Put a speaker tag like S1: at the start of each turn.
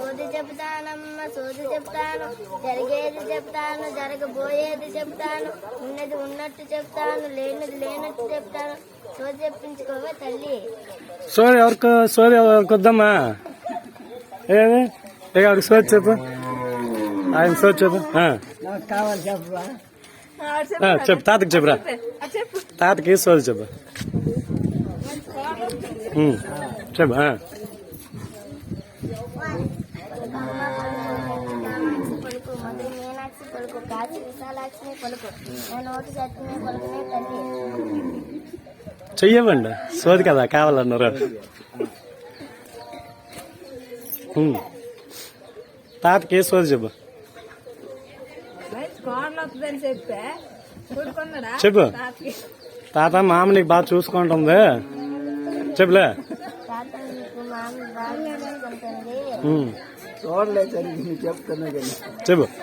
S1: సోది చెప్తానమ్మ సోది చెప్తాను, జరిగేది చెప్తాను, జరగబోయేది చెప్తాను, ఉన్నది ఉన్నట్టు చెప్తాను, లేనిది లేనట్టు చెప్తాను. సోది చెప్పించుకోవే తల్లి.
S2: సోది ఎవరికి వద్దమ్మా. ఏది ఎవరికి సోది చెప్పు, ఆయన సోది చెప్పు.
S3: కావాలి చెప్పరా?
S2: చెప్పు, తాతకి చెప్పురా. తాతకి సోది చెప్పు. చెప్పు.
S1: పలుకు మధుర మీనాక్షి పలుకు, కాశీ విశాలాక్షిని పలుకు, నేను నోటి చట్టిని పలుకునే తల్లి.
S2: చెయ్యవండి, సోది కదా కావాలన్నారు. తాతకి సోది చెప్పు. చెప్పు. తాత మామ నీకు బాగా చూసుకుంటుంది చెప్పులే.
S1: తాత నీకు మామ బాగా చూసుకుంటుంది.
S3: చూడలేదు చెప్తున్నా కానీ
S2: చెప్పు.